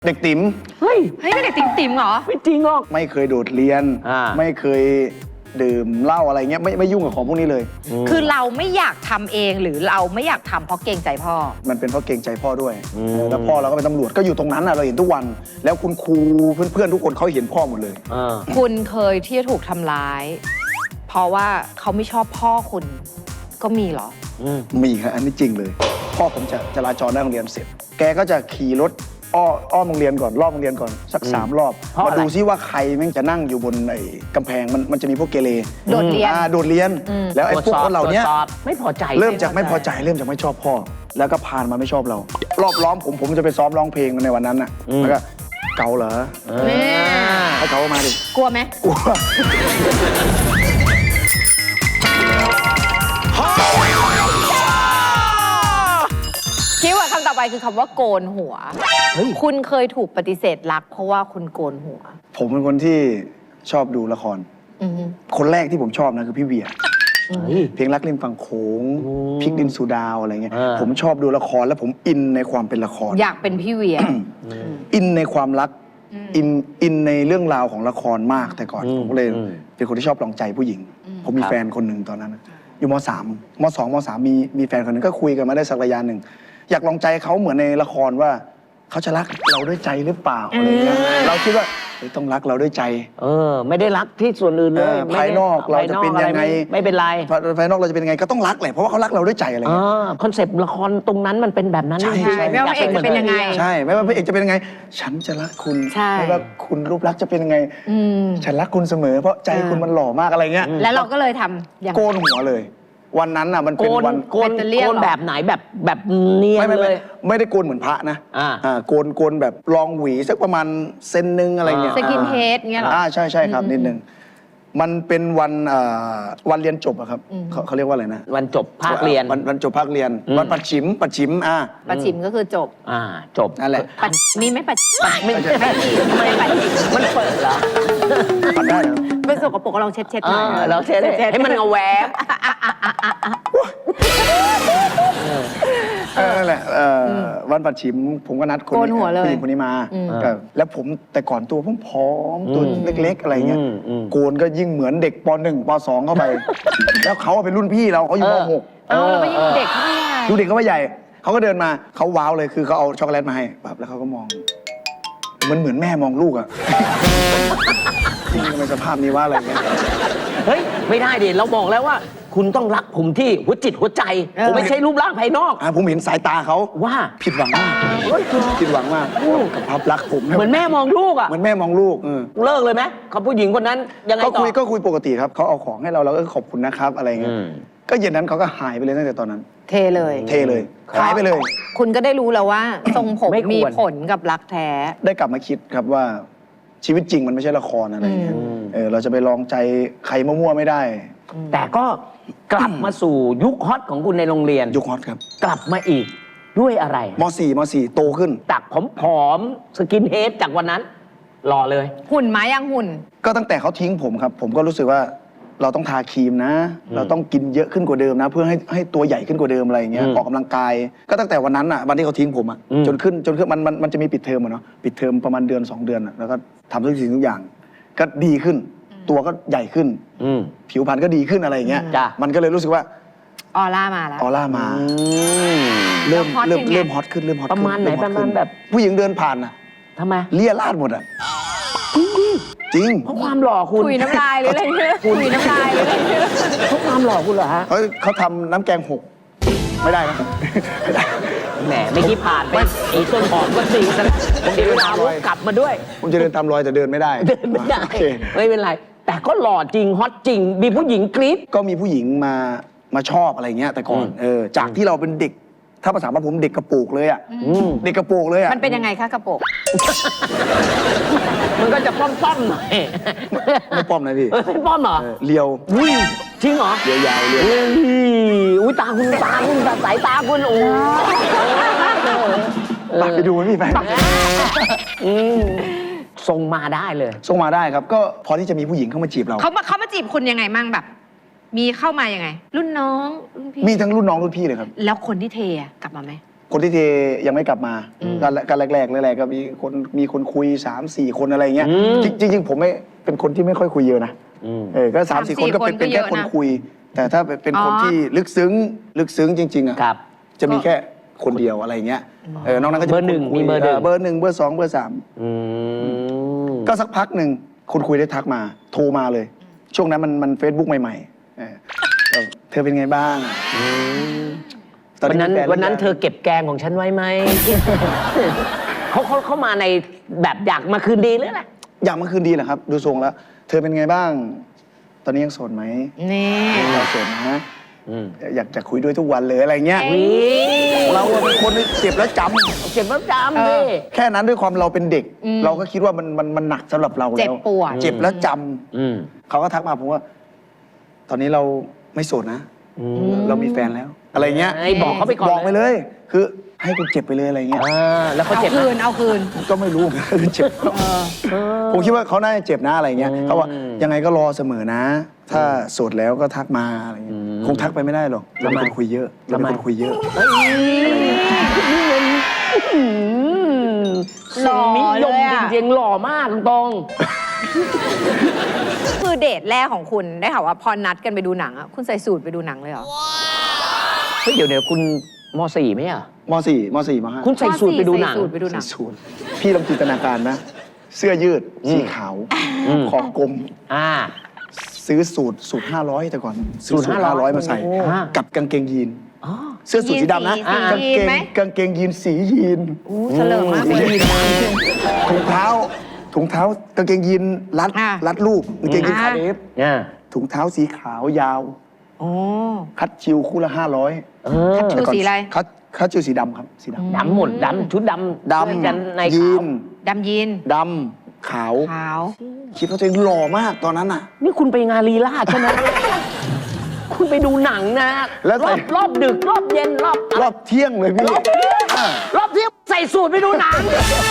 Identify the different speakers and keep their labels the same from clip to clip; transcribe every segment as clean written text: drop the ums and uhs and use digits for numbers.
Speaker 1: เด็กติ๋ม
Speaker 2: เฮ้ย
Speaker 3: เป็นเด็กติ๋มเหรอ
Speaker 2: ไม่จริงหรอก
Speaker 1: ไม่เคยโดดเรียนไม่เคยดื่มเหล้าอะไรเงี้ยไม่ยุ่งกับของพวกนี้เลย
Speaker 3: คือเราไม่อยากทำเองหรือเราไม่อยากทำเพราะเกรงใจพ่อ
Speaker 1: มันเป็นเพราะเกรงใจพ่อด้วยแล้วพ่อเราก็เป็นตำรวจก็อยู่ตรงนั้นเราเห็นทุกวันแล้วคุณครูเพื่อนๆทุกคนเขาเห็นพ่อหมดเลย
Speaker 3: คุณเคยที่จะถูกทำร้ายเพราะว่าเขาไม่ชอบพ่อคุณก็มีเหรอ
Speaker 1: มีครับอันนี้จริงเลยพ่อผมจะจราจรหน้าโรงเรียนเสร็จแกก็จะขี่รถอ้อมโรงเรียนก่อนรอบโรงเรียนก่อนสัก3 รอบมาดูซิว่าใครแม่งจะนั่งอยู่บนไอ้กำแพงมันจะมีพวกเกเร
Speaker 3: โดดเรียน
Speaker 1: แล้วไอ้พวกคนเหล่านี้
Speaker 2: ไม่พอใจ
Speaker 1: เริ่มจากไม่พอใจเริ่มจากไม่ชอบพ่อแล้วก็ผ่านมาไม่ชอบเรารอบล้อมผมจะไปซ้อมร้องเพลงในวันนั้นน่ะแล้วก็เกาเหรอให้เขามาดิ
Speaker 3: กลัวไหม
Speaker 1: กลัว
Speaker 3: คิดว่าคำต่อไปคือคำว่าโกนหัวคุณเคยถูกปฏิเสธรักเพราะว่าคุณโกนหัว
Speaker 1: ผมเป็นคนที่ชอบดูละครคนแรกที่ผมชอบนะคือพี่เวียเพลงรักริมฝั่งโขงพริกดินสุดาวอะไรเงี้ยผมชอบดูละครแล้วผมอินในความเป็นละคร
Speaker 3: อยากเป็นพี่เวีย
Speaker 1: อินในความรักอินในเรื่องราวของละครมากแต่ก่อนผมก็เลยเป็นคนที่ชอบลองใจผู้หญิงผมมีแฟนคนหนึ่งตอนนั้นอยู่ม.3 ม.2 ม.3 มีแฟนคนหนึ่งก็คุยกันมาได้สักระยะหนึ่งอยากลองใจเขาเหมือนในละครว่าเขาจะรักเราด้วยใจหรือเปล่าอะไรเงี้ยเราคิดว่าต้องรักเราด้วยใจ
Speaker 2: ไม่ได้รักที่ส่วนอื่นเลย
Speaker 1: ภายนอกเราจะเป็นยังไง
Speaker 2: ไม่เป็นไร
Speaker 1: ภายนอกเราจะเป็นยังไงก็ต้องรักแหละเพราะว่าเขารักเราด้วยใจอะไรเงี้ย
Speaker 2: คอนเซปต์ละครตรงนั้นมันเป็นแบบนั้น
Speaker 3: ใช่ไม่ว่าพระเอกจะเป็นยังไง
Speaker 1: ใช่ไม่ว่าพระเอกจะเป็นยังไงฉันจะรักคุณไม่ว่าคุณรูปลักษณ์จะเป็นยังไงฉันรักคุณเสมอเพราะใจคุณมันหล่อมากอะไรเงี้ย
Speaker 3: แล้วเราก็เลยทำ
Speaker 1: โกนหัวเลยวันนั้นน่ะมันเป็นวัน
Speaker 2: โกนแบบไหนแบบเนียนเลย
Speaker 1: ไม่ได้โกนเหมือนพระนะโกนแบบลองหวีสักประมาณเซนนึงอะไรเงี้ย
Speaker 3: สกินเฮดเงี้ยหรอ
Speaker 1: ใช่ครับนิดนึงมันเป็นวันเรียนจบอะครับเขาเรียกว่าอะไรนะ
Speaker 2: วันจบภาคเรียน
Speaker 1: วันจบภาคเรียนวันปัดฉิมปัด
Speaker 3: ฉิมก็คือจบ
Speaker 2: จบ
Speaker 1: นั่นแหละ
Speaker 3: มีไม่ปัด
Speaker 2: ไม่มันเปิดเหรอ
Speaker 1: ปัดได้เหรอ
Speaker 3: เป็นสกปรกเราเช็ดหน่อย
Speaker 2: เราเช็ดให้มันเอาแหวก
Speaker 1: นั่นแหละวันปัดฉิมผมก็นัดคนผู้หญิงคนนี้มาแล้วผมแต่ก่อนตัวผมผอมตัวเล็กๆอะไรเงี้ยโกนก็ยิ่งเหมือนเด็กป.1 ป.2 เข้าไปแล้วเขาเป็นรุ่นพี่เราเขาอยู่ม
Speaker 3: .6เราไม่ยิ่งเด็กเขาไม่ใหญ่
Speaker 1: ดูเด็กเขาไม่ใหญ่เขาก็เดินมาเขาว้าวเลยคือเขาเอาช็อกโกแลตมาให้แบบแล้วเขาก็มองมันเหมือนแม่มองลูกอะทำไมสภาพนี้ว่าอะไรเงี้ย
Speaker 2: เฮ้ยไม่ได้ดิเราบอกแล้วว่าคุณต้องรักผมที่หัวจิตหัวใจผมไม่ใช่รูปร่างภายนอก
Speaker 1: ผมเห็นสายตาเขา
Speaker 2: ว่า
Speaker 1: ผิดหวังมากผิดหวังมากกับภาพลักษณ์ผม
Speaker 2: เหมือนแม่มองลูกอ่ะ
Speaker 1: เหมือนแม่มองลูก
Speaker 2: เลิกเลยไหมกับผู้หญิงคนนั้นยังไงต่อ
Speaker 1: ก็คุยปกติครับเขาเอาของให้เราก็ขอบคุณนะครับอะไรเงี้ยก็เย็นนั้นเขาก็หายไปเลยตั้งแต่ตอนนั้น
Speaker 3: เทเลย
Speaker 1: หายไปเลย
Speaker 3: คุณก็ได้รู้แล้วว่าทรงผมมีผลกับรักแท้
Speaker 1: ได้กลับมาคิดครับว่าชีวิตจริงมันไม่ใช่ละครอะไรเงี้ยเราจะไปลองใจใครมั่วๆไม่ได้
Speaker 2: แต่ก็กลับมาสู่ยุคฮอตของคุณในโรงเรียน
Speaker 1: ยุคฮอตครับ
Speaker 2: กลับมาอีกด้วยอะไร
Speaker 1: ม.4 โตขึ้น
Speaker 2: จากผอมสกินเฮดจากวันนั้นหล่อเลย
Speaker 3: หุ่นมายังหุ่น
Speaker 1: ก็ตั้งแต่เขาทิ้งผมครับผมก็รู้สึกว่าเราต้องทาครีมนะเราต้องกินเยอะขึ้นกว่าเดิมนะเพื่อให้ตัวใหญ่ขึ้นกว่าเดิมอะไรเงี้ยออกกำลังกายก็ตั้งแต่วันนั้นอ่ะวันที่เขาทิ้งผมอ่ะจนขึ้นมันจะมีปิดเทอมเนาะปิดเทอมประมาณเดือน2 เดือนแล้วก็ทำทุกสิ่งทุกอย่างก็ดีขึ้นตัวก็ใหญ่ขึ้นผิวพรรณก็ดีขึ้นอะไรอย่างเงี้ยมันก็เลยรู้สึกว่า
Speaker 3: ออร่ามาแล้ว
Speaker 1: ออร่ามาเริ่มฮอตขึ้น
Speaker 2: ประมาณไหนประมาณแบบ
Speaker 1: ผู้หญิงเดินผ่านอ่ะ
Speaker 2: ทำไม
Speaker 1: เลี่ยราดหมดอ่ะจริง
Speaker 2: เพราะความหล่อคุณ
Speaker 3: คุยน้ำลายหรืออะไรเนี่ยคุยน้ำลายหรืออะไรเนี่ย
Speaker 2: เพราะความหล่อคุณเหรอฮะ
Speaker 1: เขาทำน้ำแกงหกไม่ได้นะ
Speaker 2: แหมไม่คิดผ่านไปไอ้ต้นหอมก็สิผมเดินตามรอยกลับมาด้วย
Speaker 1: ผมจะเดินตามรอยแต่เดินไม่ได้
Speaker 2: ไม่เป็นไรแต่ก็หล่อจริงฮอตจริงมีผู้หญิงกรี๊ด
Speaker 1: ก็มีผู้หญิงมาชอบอะไรเงี้ยแต่ก่อนจากที่เราเป็นเด็กถ้าภาษาบ้านผมเด็กกระโปงเลยอ่ะเด็กกระโปงเลยอ่ะ
Speaker 3: มันเป็นยังไงคะกระโปง
Speaker 2: มันก็จะป้อมๆหน่อย
Speaker 1: ไม่ป้อมนะพี่
Speaker 2: ไม่ป้อมเหรอ
Speaker 1: เลียว
Speaker 2: จริงเหรอ
Speaker 1: เลียวยาวเลียว
Speaker 2: อุ้ยตาคุณสายตาคุณโอ้
Speaker 1: ไปดูมันพี่ไป
Speaker 2: ส่งมาได้เลย
Speaker 1: ส่งมาได้ครับก็พอที่จะมีผู้หญิงเข้ามาจีบเรา
Speaker 3: เขามาจีบคุณยังไงมั่งแบบมีเข้ามายังไงรุ่นน้องรุ่นพี่
Speaker 1: มีทั้งรุ่นน้องรุ่นพี่เลยครับ
Speaker 3: แล้วคนที่เทกลับมาไหม
Speaker 1: คนที่เทยังไม่กลับมาก็แรกๆก็มีคนคุย 3-4 คนอะไรเงี้ยจริงๆผมไม่เป็นคนที่ไม่ค่อยคุยเยอะนะก็ 3-4 คนก็เป็นแค่คนคุย แต่ถ้าเป็นคนที่ลึกซึ้งจริงๆอ่ะจะมีแค่คนเดียวอะไรเงี้ยนอกนั้นก็จะ
Speaker 2: เบอร์หนึ่งมีเบอร์
Speaker 1: เบอร์ 1 เบอร์ 2 เบอร์ 3ก็สักพักหนึ่งคนคุยได้ทักมาโทรมาเลย ช่วงนั้นมัน Facebook ใหม่ๆเธอเป็นไงบ้าง
Speaker 2: วันนั้นเธอเก็บแกงของฉันไว้ไหม เขามาในแบบอยากมาคืนดีหรืออะไร
Speaker 1: อยากมาคืนดีแหละครับดูทรงแล้วเธอเป็นไงบ้างตอนนี้ยังโสดไหม
Speaker 3: นี่
Speaker 1: เราโสดนะอยากจะคุยด้วยทุกวันเลยอะไรเงี้ยเราเป็นคนที่เจ็บแล้วจำ
Speaker 2: ดิ
Speaker 1: แค่นั้นด้วยความเราเป็นเด็กเราก็คิดว่ามันหนักสำหรับเราแล้วเจ็บ
Speaker 3: ปวด
Speaker 1: เจ็บแล้วจำเขาก็ทักมาผมว่า ตอนนี้เราไม่โสดนะเรามีแฟนแล้วอะไรเงี้ย
Speaker 2: บอกเขาไปก่อน
Speaker 1: บอกไปเลย คือให้คุณเจ็บไปเลยอะไรเงี้ย
Speaker 2: แล้วเขาเจ็บ
Speaker 3: เอาคืน
Speaker 1: ก็ไม่รู้เจ็บผมคิดว่าเขาน่าจะเจ็บนะอะไรเงี้ยเขาว่ายังไงก็รอเสมอนะ ถ้าโสดแล้วก็ทักมาอะไรเงี้ยคงทักไปไม่ได้หรอกเราเป็นคนคุยเยอะ
Speaker 2: หล่อนิยมจริงๆหล่อมากตรง
Speaker 3: คือเดทแรกของคุณได้ข่าวว่าพอนัดกันไปดูหนังอ่ะคุณใส่สูทไปดูหนังเลยเหรอ
Speaker 2: เฮ้ยเดี๋ยวคุณม.4 ไหมอ่ะ
Speaker 1: ม.4 ม.5
Speaker 2: คุณใส่สูทไปดูหนัง
Speaker 1: สูทพี่ลองจินตนาการนะเสื้อยืดสีขาวคอกลมซื้อสูตร500แต่ก่อนซื้อสูตร500มาใส่กับกางเกงยีนเสื้อสูทสีดำนะกางเกงยีนสียีน
Speaker 3: เฉลิมมากเลย
Speaker 1: ถุงเท้ากางเกงยีนรัดรูปกางเกงยีนคาเดฟถุงเท้าสีขาวยาวคัดชิวคู่ละ500
Speaker 3: คัดชิวสีอะไร
Speaker 1: คัดชิวสีดำครับสีด
Speaker 2: ำหมดดำชุดดำ
Speaker 1: ยันในยีนดำขาวคิดว่าตัวเองหล่อมากตอนนั้นน่ะ
Speaker 2: นี่คุณไปงานลีลาใช่ไหมคุณไปดูหนังนะแล้วรอบดึกรอบเย็น
Speaker 1: รอบเที่ยงเลยพี่
Speaker 2: รอบเที่ยงใส่สูทไปดูหนัง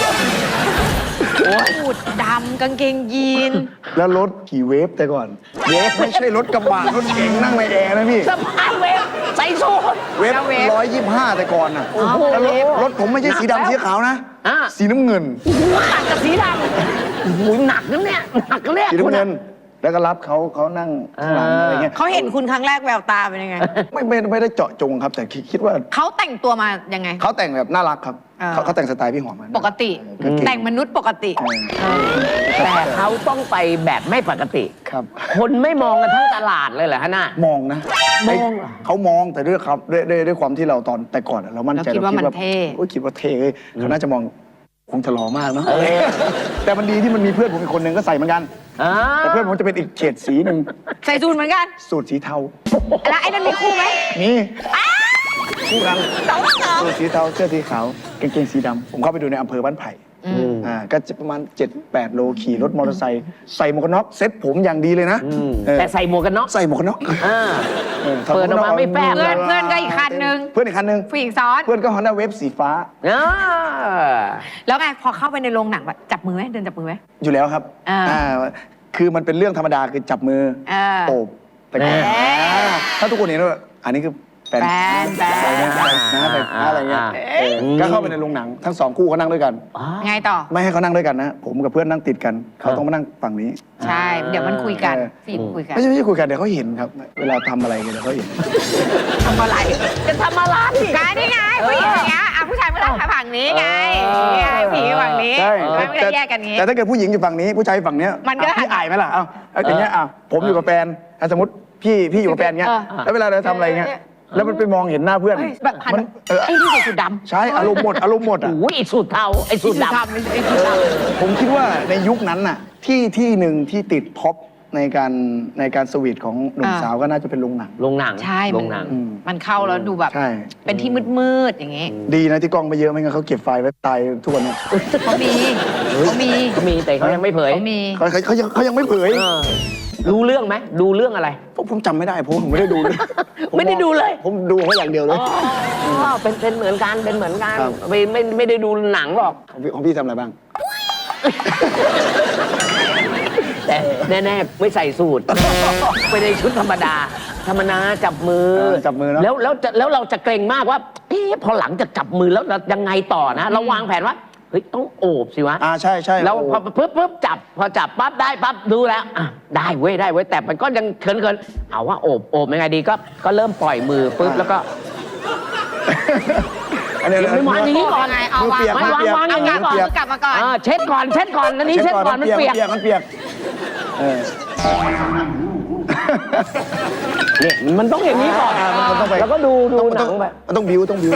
Speaker 3: สูทดำกางเกงยีน
Speaker 1: แล้วรถขี่เวฟแต่ก่อนเวฟไม่ใช่รถกระบะรถเก๋งนั่งในแอร์นะพี่
Speaker 2: สภาพเวฟใส่สูท
Speaker 1: เวฟ125แต่ก่อนน่ะแล้วรถผมไม่ใช่สีดำสีขาวนะสีน้ำเงิน
Speaker 2: หนักกับสีดำหนักนั่นเนี่ยหนักเลย
Speaker 1: สีน้ำเงินแล้วก็รับเขานั่งข้างหลังอะไรเงี้ย
Speaker 3: เขาเห็นคุณครั้งแรกแววตาเป็นยังไง
Speaker 1: ไม่ได้เจาะจงครับแต่คิดว่า
Speaker 3: เขาแต่งตัวมายังไง
Speaker 1: เขาแต่งแบบน่ารักครับเขาแต่งสไตล์พี่หอมมา
Speaker 3: ปกติแต่งมนุษย์ปกติ
Speaker 2: แต่เขาต้องไปแบบไม่ปกติ
Speaker 1: ครับ
Speaker 2: คนไม่มองกันทั้งตลาดเลยเหรอฮะน่ะ
Speaker 1: มองนะเขามองแต่ด้วยความที่เราตอนแต่ก่อนเรามั่นใจ
Speaker 3: เราคิดว่ามันเท่
Speaker 1: คิดว่าเท่เขาน่าจะมองคงจะหล่อมากเนาะแต่มันดีที่มันมีเพื่อนผมอีกคนนึงก็ใส่เหมือนกันแต่เพื่อนผมจะเป็นอีกเฉดสีหนึ่ง
Speaker 3: ใส่สูทเหมือนกัน
Speaker 1: สูทสีเทา
Speaker 3: แล้วไอ้นั่นมีคู่ไหม
Speaker 1: มีคู่กันสูทสีเทาเสื้อสีขาวกางเกงสีดำผมเข้าไปดูในอำเภอบ้านไผ่ก็ประมาณ 7-8 โลขี่รถมอเตอร์ไซค์ใส่หมวกกันน็อกเซ็ตผมอย่างดีเลยนะ
Speaker 2: แต่ใส่หมวกกันน็อก
Speaker 3: เปิดออกมาไม่แป๊บเพื่อนก็อีกคันนึงผู้หญิงซ้อน
Speaker 1: เพื่อนก็ฮอนด้าเวฟสีฟ้า
Speaker 3: แล้วไงพอเข้าไปในโรงหนังจับมือไหมเดินจับมือไหม
Speaker 1: อยู่แล้วครับคือมันเป็นเรื่องธรรมดาคือจับมือโอบแต่ถ้าทุกคนเห็นว่าอันนี้คือแฟนอะไรเงี้ยก็เข้าไปในโรงหนังทั้ง2คู่เขานั่งด้วยกัน
Speaker 3: ไงต่อ
Speaker 1: ไม่ให้เขานั่งด้วยกันนะผมกับเพื่อนนั่งติดกันเขาต้องมานั่งฝั่งนี้
Speaker 3: ใช่เดี๋ยวมันคุยกันฟิล์มคุยกัน
Speaker 1: ไม่ใช่คุยกันเดี๋ยวเขาเห็นครับเวลาทำอะไรกันเดี๋ยวเขาเห็น
Speaker 3: ทำอะไรจะทำอะไรนี่ไงผู้หญิงอย่างเงี้ยผู้ชายไม่ต้องฝั่งนี้ไงผีฝั่งนี้ไม่ได้แยกกันงี้
Speaker 1: แต่ถ้าเกิดผู้หญิงอยู่ฝั่งนี้ผู้ชายฝั่งเนี้ย
Speaker 3: มันก็
Speaker 1: พี่อายไหมล่ะอย่างเงี้ยผมอยู่กับแฟนสมมติพี่อยู่กับแฟนเงี้ยแล้วเวลาเราทำอะไรเงี้ยแล้วมันไปมองเห็นหน้าเพื่อน
Speaker 3: แบบมันไอ้ที่ใส่สูทด
Speaker 1: ำใช่อารมณ์หมดอ่ะ
Speaker 2: โอ้ยสูทเทาไอ้สูทด
Speaker 1: ำผมคิดว่าในยุคนั้นน่ะที่หนึ่งที่ติดท็อปในการสวีทของหนุ่มสาวก็น่าจะเป็นโรงหนัง
Speaker 3: ใช่มันเข้าแล้วดูแบบเป็นที่มืดอย่างงี้
Speaker 1: ดีนะที่กล้องไปเยอะไม่งั้นเขาเก็บไฟล์ไว้ตายทุกวันนี้
Speaker 3: เขามี
Speaker 2: แต่เขายังไม่เผย
Speaker 1: เขายังไม่เผย
Speaker 2: รู้เรื่องไหมดูเรื่องอะไร
Speaker 1: ผมจำไม่ได้ผมไม่ได้ดูเลย
Speaker 2: ไม่ได้ดูเลย
Speaker 1: ผมดูเขาอย่างเดียวเลย
Speaker 2: เป็นเหมือนกันไม่ได้ดูหนังหรอก
Speaker 1: ของพี่ทำอะไรบ้าง
Speaker 2: แต่แน่ๆไม่ใส่สูทไม่ได้ชุดธรรมดาธรรมนาจับมือ
Speaker 1: จับมือเนอะ
Speaker 2: แล้วเราจะเกรงมากว่าพอหลังจากจับมือแล้วเรายังไงต่อนะ เราวางแผนว่าเฮ้ยต้องโอบสิวะ
Speaker 1: ใช่ใช่
Speaker 2: แล้ว
Speaker 1: โอ้
Speaker 2: พอจับพอจับปั๊บได้ปั๊บดูแล้วได้เว้ยแต่มันก็ยังเขินเอาว่าโอบยังไงดีก็เริ่มปล่อยมือปุ๊บแล้วก็
Speaker 1: อันนี้
Speaker 2: ไม่วางอย่างนี้ก่อน
Speaker 3: ไงเอา
Speaker 1: มือเปียก
Speaker 3: วาง
Speaker 1: มือเปียก
Speaker 2: วางอย่างนี้
Speaker 3: เอา
Speaker 2: ก่อน
Speaker 3: มือกลับมาก่อน
Speaker 2: เช็ดก่อนอันนี้เช็ดก่อนมันเปียก
Speaker 1: มันเปียกเออ
Speaker 2: เนี่ยมันต้องอย่างนี้ก่อน
Speaker 1: มันต้องไป
Speaker 2: แล้วก็ดูหนังไป
Speaker 1: มันต้องบิ้วต้องบิ้ว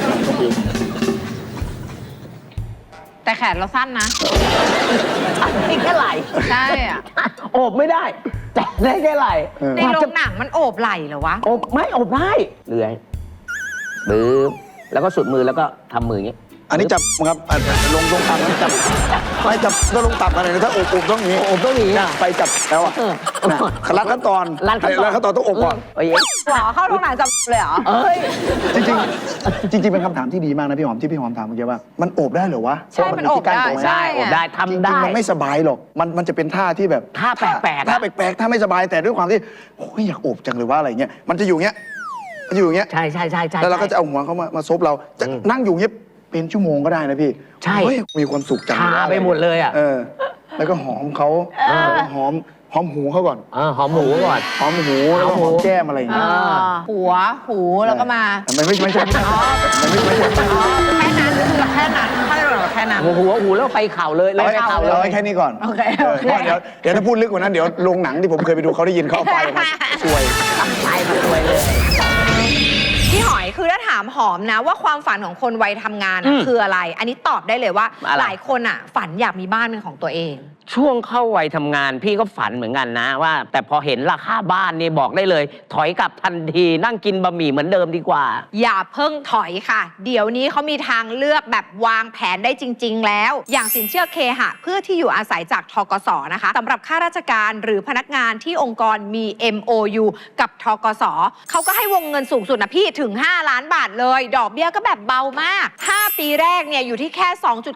Speaker 3: แต่แขนเราสั้นนะ
Speaker 2: ได้แค่ไหล
Speaker 3: ใช่อะ
Speaker 2: โอบไม่ได้ แต่ได้แค่ไหล
Speaker 3: ในโรงหนังมันโอบไหล่เหรอวะ
Speaker 2: โอบไม่โอบได้เลื่อยบึ้บแล้วก็สุดมือแล้วก็ทำมืออย่างนี้
Speaker 1: อันนี้จับครับลงตับนะจับไปจับก็ลงตับอะไรนะถ้าโอบต้องนี้
Speaker 2: โอบต้องอย่างนี้
Speaker 1: ไปจับแล้วอ่ะรัดขั้นตอน
Speaker 2: รัดขั้นตอน
Speaker 1: ต้องอบก่อน
Speaker 2: โอ้ย
Speaker 3: หรอเข้าโรงหนังจับเลยเหรอ
Speaker 2: เอ้ย
Speaker 1: จริงเป็นคำถามที่ดีมากนะพี่หอมที่พี่หอมถามเมื่อกี้ว่ามันโอบได้เหรอวะ
Speaker 3: ใช่มันโอบได้
Speaker 1: ใช่
Speaker 2: โอบได้
Speaker 1: จ
Speaker 2: ทำ
Speaker 1: ริ
Speaker 2: ได้
Speaker 1: งๆมันไม่สบายหรอกมันจะเป็นท่าที่แบบ
Speaker 2: ท่าแปลกๆ
Speaker 1: ท่าแปลกๆท่าไม่สบายแต่ด้วยความที่โอ้ยอยากโอบจังเลยว่าอะไรเงี้ยมันจะอยู่เงี้ยมันอยู่อย่างเงี้ย
Speaker 2: ใช่
Speaker 1: แล้วเราก็จะเอาหัวเขามาซบเราจะนั่งอยู่เงี้ยเป็นชั่วโมงก็ได้นะพี่
Speaker 2: ใช่
Speaker 1: เฮ้ยมีความสุขจัง
Speaker 2: ชาไปหมดเลยอ่ะ
Speaker 1: แล้วก็หอมเขาหอมหูเขาก่อน
Speaker 2: หอมหมูก่อน
Speaker 1: หอมหูแล้วก็หอมแก้มอะไรอย่างเงี้ย
Speaker 3: หัวหูแล้วก็มา
Speaker 1: มันไม่ใช่
Speaker 3: แค่นั้นคือแค่นั้นถ้าเราแค่นั้น
Speaker 2: หูแล้วไปเข่าเลยเลยไปเข่าเล
Speaker 1: เรา
Speaker 2: ย
Speaker 1: ให้แค่นี้ก่อน
Speaker 3: โอเค
Speaker 1: เดี๋ยวถ้าพูดลึกกว่านั้นเดี๋ยวโรงหนังที่ผมเคยไปดูเขาได้ยินเขาเอาไฟออกมาช่วย
Speaker 2: ไปมาสวยเลย
Speaker 3: พี่หอยคือถ้าถามหอมนะว่าความฝันของคนวัยทำงานอะคืออะไร อันนี้ตอบได้เลยว่า
Speaker 2: อะไร
Speaker 3: หลายคนอ่ะฝันอยากมีบ้านเป็นของตัวเอง
Speaker 2: ช่วงเข้าวัยทำงานพี่ก็ฝันเหมือนกันนะว่า แต่พอเห็นราคาบ้านนี่บอกได้เลย ถอยกลับทันทีนั่งกินบะหมี่เหมือนเดิมดีกว่า
Speaker 3: อย่าเพิ่งถอยค่ะ เดี๋ยวนี้เขามีทางเลือกแบบวางแผนได้จริง ๆ แล้ว อย่างสินเชื่อเคหะเพื่อที่อยู่อาศัยจากทกสนะคะสำหรับข้าราชการหรือพนักงานที่องค์กรมี MOU กับทกสเขาก็ให้วงเงินสูงสุดนะพี่ถึง 5 ล้านบาทเลย ดอกเบี้ยก็แบบเบามาก 5 ปีแรกเนี่ยอยู่ที่แค่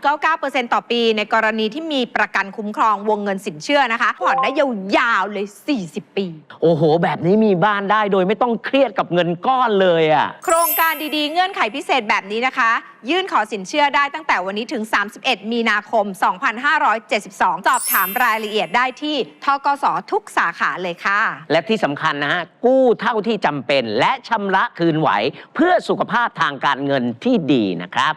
Speaker 3: 2.99% ต่อปี ในกรณีที่มีประกันคุ้มครองวงเงินสินเชื่อนะคะผ่อนได้ยาวๆเลย 40 ปี
Speaker 2: โอ้โห แบบนี้มีบ้านได้โดยไม่ต้องเครียดกับเงินก้อนเลยอ่ะ
Speaker 3: โครงการดีๆ เงื่อนไขพิเศษแบบนี้นะคะ ยื่นขอสินเชื่อได้ตั้งแต่วันนี้ถึง 31 มีนาคม 2572 สอบถามรายละเอียดได้ที่ทกสทุกสาขาเลยค่ะ
Speaker 2: และที่สำคัญนะฮะกู้เท่าที่จำเป็นและชำระคืนไหว เพื่อสุขภาพทางการเงินที่ดีนะครับ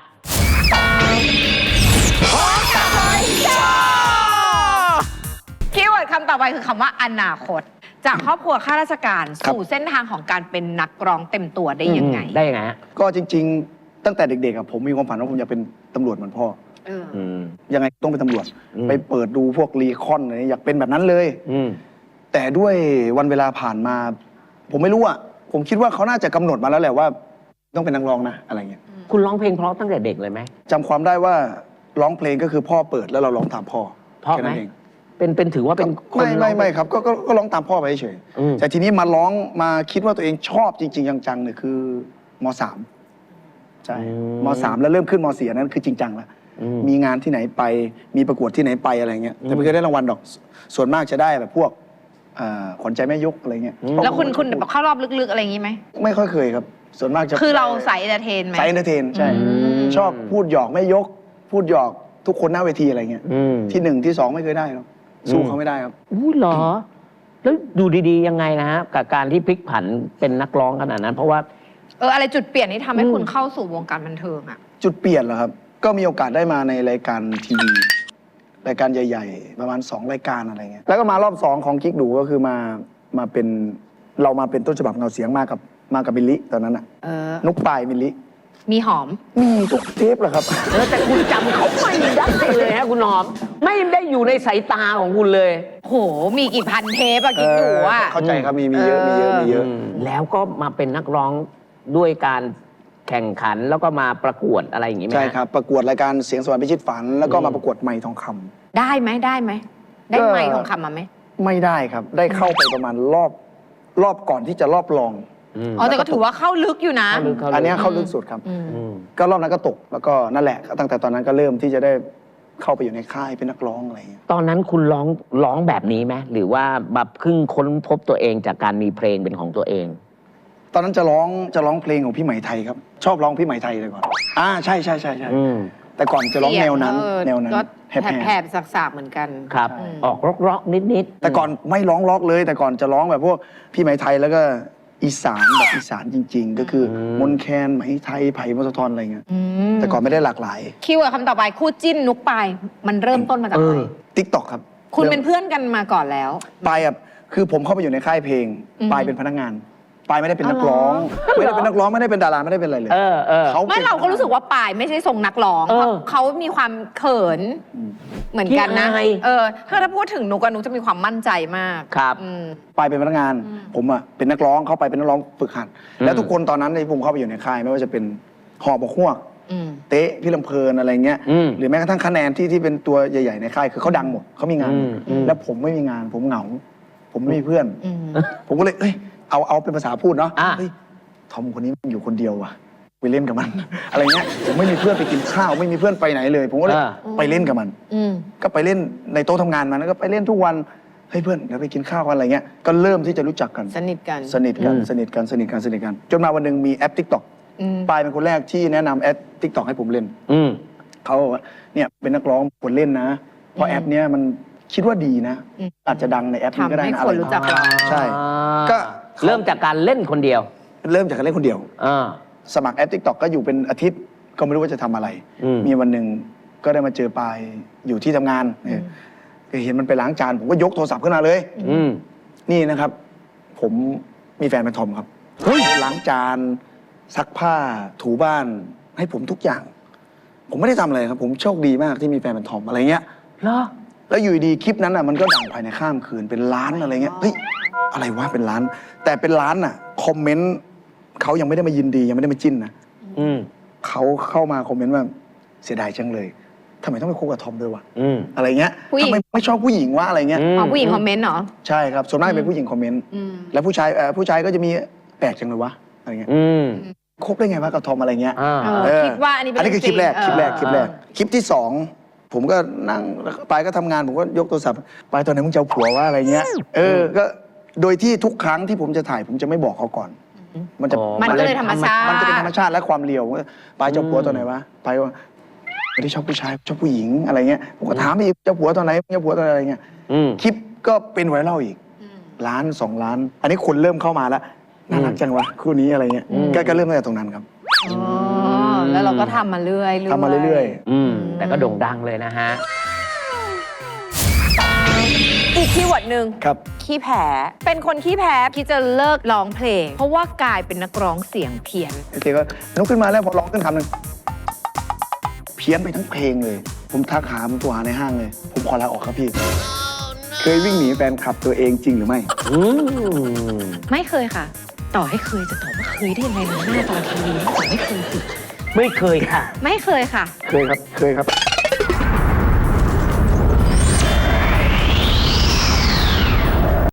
Speaker 3: คีย์เวิร์ดคำต่อไปคือคำว่าอนาคต จากครอบครัวข้าราชการสู่เส้นทางของการเป็นนักร้องเต็มตัวได้ยังไง
Speaker 2: ได้ยังไงฮะ
Speaker 1: ก็จริง ๆ ตั้งแต่เด็กๆอะผมมีความฝันว่าผมอยากเป็นตำรวจเหมือนพ่อ
Speaker 2: อืม
Speaker 1: ยังไงต้องเป็นตำรวจ
Speaker 2: อืม
Speaker 1: ไปเปิดดูพวกรีคอนอะไรอยากเป็นแบบนั้นเลย
Speaker 2: อืม
Speaker 1: แต่ด้วยวันเวลาผ่านมา ผมไม่รู้อะผมคิดว่าเขาน่าจะกำหนดมาแล้วแหละว่า ต้องเป็นนักร้องนะอะไรเงี้ย
Speaker 2: คุณร้องเพลงเพราะตั้งแต่เด็กเลยไหม
Speaker 1: จำความได้ว่าร้องเพลงก็คือพ่อเปิดแล้วเราร้องตามพ่อ
Speaker 2: เพราะ
Speaker 1: แค่
Speaker 2: ไหม
Speaker 1: นั้นเอง
Speaker 2: เป็นถือว่าเป็นคนร้อง
Speaker 1: ไม่ครับก็ร้องตามพ่อไปเฉย
Speaker 2: อืม
Speaker 1: แต่ทีนี้มาร้องมาคิดว่าตัวเองชอบจริงๆจังๆเนี่ยคือม.3 ใช่ม.3 แล้วเริ่มขึ้นม.4อันนั้นคือจริงจังแล้ว มีงานที่ไหนไปมีประกวดที่ไหนไปอะไรเงี้ยแต่ไม่เคยได้รางวัลดอกส่วนมากจะได้แบบพวกขวัญใจแม่ยกอะไรเงี้ย
Speaker 3: แล้วคุณแบบเข้ารอบลึกๆอะไรอย่างนี้ไหม
Speaker 1: ไม่ค่อยเคยครับ ส่วนมากจะ
Speaker 3: คือเราใส่เอนเตอร์เทนไหม
Speaker 1: สายเอนเตอร์เทนใช่ ชอบพูดหยอกแม่ยก พูดหยอกทุกคนหน้าเวทีอะไรเงี้ย ที่1ที่2ไม่เคยได้หรอกสู้เขาไม่ได้ครับ
Speaker 2: อู้เหรอ แล้วดูดีๆยังไงนะฮะกับการที่พลิกผันเป็นนักร้องขนาดนั้น เพราะว่า
Speaker 3: อะไรจุดเปลี่ยนที่ทำให้คุณเข้าสู่วงการบันเทิงอ่ะ
Speaker 1: จุดเปลี่ยนเหรอครับ ก็มีโอกาสได้มาในรายการทีวีรายการใหญ่ๆ ประมาณ2รายการอะไรเงี้ยแล้วก็มารอบ2ของกิ๊กดูก็คือมาเป็นเรามาเป็นต้นฉบับเงาเสียงมากับมิลลิตอนนั้นอะนุกปลายมิลลิ
Speaker 3: มีหอม
Speaker 1: มีทุกเทปเหรอครับ
Speaker 2: แต่คุณจำเขาไม่ได้เลยฮะคุณหอม ไม่ได้อยู่ในสายตาของคุณเลย
Speaker 3: โห มีกี่พันเทปอะกิ๊กดูอะ
Speaker 1: เข้าใจครับมีเยอะมีเยอะ
Speaker 2: แล้วก็มาเป็นนักร้องด้วยการแข่งขันแล้วก็มาประกวดอะไรอย่างนี้ไหมฮะ
Speaker 1: ใช่ครับ ประกวดรายการเสียงสวรรค์พิชิตฝัน แล้วก็มาประกวดไมค์ทองคำ
Speaker 3: ได้ไหมได้ไมค์ทองคำมาไหม
Speaker 1: ไม่ได้ครับ ได้เข้าไปประมาณรอบก่อนที่จะรอบรอง
Speaker 3: อ๋อแต่ก็ถือว่าเข้าลึกอยู่นะ
Speaker 1: อันเนี้ยเข้าลึกสุดครับ ก็รอบนั้นก็ตกแล้วก็นั่นแหละตั้งแต่ตอนนั้นก็เริ่มที่จะได้เข้าไปอยู่ในค่ายเป็นนักร้องอะไรอย่างเงี้ย
Speaker 2: ตอนนั้นคุณร้องแบบนี้ไหมหรือว่าแบบเพิ่งค้นพบตัวเองจากการมีเพลงเป็นของตัวเอง
Speaker 1: ตอนนั้นจะร้องเพลงของพี่ไหมไทยครับ ชอบร้องพี่ไหมไทยเลยก่อนใช่ใช่ใช่ใช่
Speaker 2: อืม
Speaker 1: แต่ก่อนจะร้องแนวนั้น
Speaker 3: เสียง
Speaker 1: แนวนั้น
Speaker 3: ก็
Speaker 1: แหบ
Speaker 3: แหบๆสักๆเหมือนกัน
Speaker 2: ครับ
Speaker 1: ใช่
Speaker 2: ออกร็อกๆนิดๆ
Speaker 1: แต่ก่อนไม่ร้องล็อกเลย แต่ก่อนจะร้องแบบพวกพี่ไหมไทยแล้วก็อีสานแบบอีสานจริง ๆ ก็คือมนต์แคนไหมไทยไผ่มสะทอนอะไรเงี้ย แต่ก่อนไม่ได้หลากหลาย
Speaker 3: คีย์เวิร์ดคำต่อไปคู่จิ้นนุกปายมันเริ่มต้นมาจากอะไร
Speaker 1: ติ๊กต็อกครับ
Speaker 3: คุณเป็นเพื่อนกันมาก่อนแล้ว
Speaker 1: ปายคือผมเข้าไปอยู่ในค่ายเพลง
Speaker 3: อืม
Speaker 1: ปายเป็นพนักงาน ปายไม่ได้เป็นนักร้อง
Speaker 2: อ๋อเหรอ
Speaker 1: ไม่ได้เป็นนักร้องไม่ได้เป็นดาราไม่ได้เป็นอะไรเลย
Speaker 2: เออ
Speaker 1: เขา
Speaker 3: ไม่เราก็รู้สึกว่าปายไม่ใช่ทรงนักร้อง
Speaker 2: เออ
Speaker 3: เพราะเขามีความเขินเหมือนกันนะ
Speaker 2: ขี้อาย
Speaker 3: ถ้าพูดถึงนุกกับนุกจะมีความมั่นใจมาก
Speaker 2: ครับ
Speaker 3: อืม
Speaker 1: ปายเป็นพนักงาน ผมเป็นนักร้องเข้าไปเป็นนักร้องฝึกหัด แล้วทุกคนตอนนั้นที่ผมเข้าไปอยู่ในค่ายไม่ว่าจะเป็นหอบกฮวก
Speaker 3: อืม
Speaker 1: เต๊ะพี่ลำเพลินอะไรเงี้ย
Speaker 2: อืม
Speaker 1: หรือแม้กระทั่งคะแนนที่เป็นตัวใหญ่ๆในค่ายคือเขาดังหมดเขามีงานหมด
Speaker 2: อืม
Speaker 1: แล้วผมไม่มีงานผมเหงา ผมไม่มีเพื่อน
Speaker 3: อืม
Speaker 1: ผมก็เลยเอาเป็นภาษาพูดเนาะ
Speaker 2: อ่ะ
Speaker 1: เฮ้ยทอมคนนี้มันอยู่คนเดียวว่ะไปเล่นกับมัน อะไรเงี้ยผมไม่มีเพื่อนไปกินข้าวไม่มีเพื่อนไปไหนเลย ผมก็เลยไปเล่นกับมัน
Speaker 3: อืม
Speaker 1: ก็ไปเล่นในโต๊ะทำงานมันแล้วก็ไปเล่นทุกวันเฮ้ยเพื่อนเดี๋ยวไปกินข้าวกันอะไรเงี้ยก็เริ่มที่จะรู้จักกัน
Speaker 3: สนิทกัน
Speaker 1: สนิทกันจนมาวันหนึ่งมีแอป TikTok
Speaker 3: อืม
Speaker 1: ปายเป็นคนแรกที่แนะนำแอป TikTok ให้ผมเล่น
Speaker 2: อืม
Speaker 1: เขาบอกว่าเนี่ยเป็นนักร้องควรเล่นนะ เพราะแอปเนี้ยมันคิดว่าดีนะ
Speaker 3: อืม
Speaker 1: อาจจะดังในแอปนี้ก็ได้
Speaker 3: ทำให้
Speaker 1: นะ
Speaker 3: คนรู้จักเรา
Speaker 1: ใช่ ก็
Speaker 2: เริ่มจากการเล่นคนเดียว
Speaker 1: เริ่มจากการเล่นคนเดียว
Speaker 2: อ่า
Speaker 1: สมัครแอป TikTok ก็อยู่เป็นอาทิตย์ก็ไม่รู้ว่าจะทำอะไร
Speaker 2: อืม
Speaker 1: มีวันหนึ่งก็ได้มาเจอปายอยู่ที่ทำงานเห็นมันไปล้างจานผมก็ยกโทรศัพท์ขึ้นมาเลย
Speaker 2: อืม
Speaker 1: นี่นะครับ ผมมีแฟนเป็นทอมครับล้างจานซักผ้าถูบ้านให้ผมทุกอย่าง ผมไม่ได้ทำอะไรครับ ผมโชคดีมากที่มีแฟนเป็นทอมอะไรเงี้ย
Speaker 2: เหรอ
Speaker 1: แล้วอยู่ดีคลิปนั้นอ่ะมันก็ดังภายในข้ามคืนเป็นล้านอะไรเงี้ยเฮ้ยอะไรวะเป็นล้าน แต่เป็นล้านอ่ะคอมเมนต์เขายังไม่ได้มายินดียังไม่ได้มาจิ้นนะ
Speaker 2: อืม
Speaker 1: เขาเข้ามาคอมเมนต์ว่าเสียดายจังเลยทำไมต้องไปคบกับทอมด้วยวะ
Speaker 2: อืม
Speaker 1: อะไรเงี้ย
Speaker 3: ผู้หญิ
Speaker 1: ทำ
Speaker 3: ง
Speaker 1: ไมไม่ชอบผู้หญิงวะอะไรเงี้ย
Speaker 3: อ๋อผู้หญิงคอมเมนต์เหรอ
Speaker 1: ใช่ครับส่วนมากเป็นผู้หญิงคอมเมนต์
Speaker 3: อืม
Speaker 1: แล้วผู้ชายก็จะมีแปลกจังเลยวะอะไรเงี้ย
Speaker 2: อืม
Speaker 1: คบได้ไงวะกับทอมอะไรเงี้ย
Speaker 2: อ่า
Speaker 3: คิดว่าอันนี้เป็น
Speaker 1: อันนี้คือคลิปแรก
Speaker 3: จริง
Speaker 1: คลิปแรกคลิปที่สองผมก็นั่งแล้วก็ไปก็ทำงานผมก็ยกโทรศัพท์ไปตอนไหนมึงจะเอาผัววะอะไรเงี้ยก็โดยที่ทุกครั้งที่ผมจะถ่ายผมจะไม่บอกเขาก่อน มันจะ
Speaker 2: อ๋อ
Speaker 3: มันก็เลยธรรมชาติ
Speaker 1: มันจะเป็นธรรมชาติและความเลียวไปเจ้าผัวตอนไหนวะไปว่าไม่ได้ชอบผู้ชายชอบผู้หญิงอะไรเงี้ยผมก็ถามอีกเจ้าผัวตอนไหนเจ้าผัวตอนไหนอะไรเงี้ย
Speaker 2: อืม
Speaker 1: คลิปก็เป็นไวรัลอีกล้าน2 ล้าน อันนี้คนเริ่มเข้ามาแล้วน่ารักจังวะคู่นี้อะไรเงี้ยก็เริ่มตั้งแต่ตรงนั้นครับ
Speaker 3: อ๋อแล้วเราก็ทำมาเรื่อยๆ
Speaker 1: ทำมาเรื่อย
Speaker 2: อืม แต่ก็โด่งดังเลยนะฮะ
Speaker 3: อีกคีย์เวิร์ดหนึ่ง
Speaker 1: ๆครับ
Speaker 3: ขี้แพ้ เป็นคนขี้แพ้ที่จะเลิกร้องเพลง เพราะว่ากลายเป็นนักร้องเสียงเพี้ยน
Speaker 1: โอเคก็ลุกขึ้นมาแล้วพอร้องขึ้นคำหนึ่งเพี้ยนไปทั้งเพลงเลย ผมทักหาผมตัวหาในห้างเลย ผมขอลาออกครับพี่ เคยวิ่งหนีแฟนคลับตัวเองจริงหรือไม่
Speaker 2: อืม
Speaker 3: ไม่เคยค่ะ ต่อให้เคยจะตอบว่าเคยได้ยังไงนะหน้าตอนทีวีแต่ไม่เคยสิ
Speaker 2: ไม่เคยค่ะ
Speaker 3: ไม่เคยค่ะ
Speaker 1: เคยครับ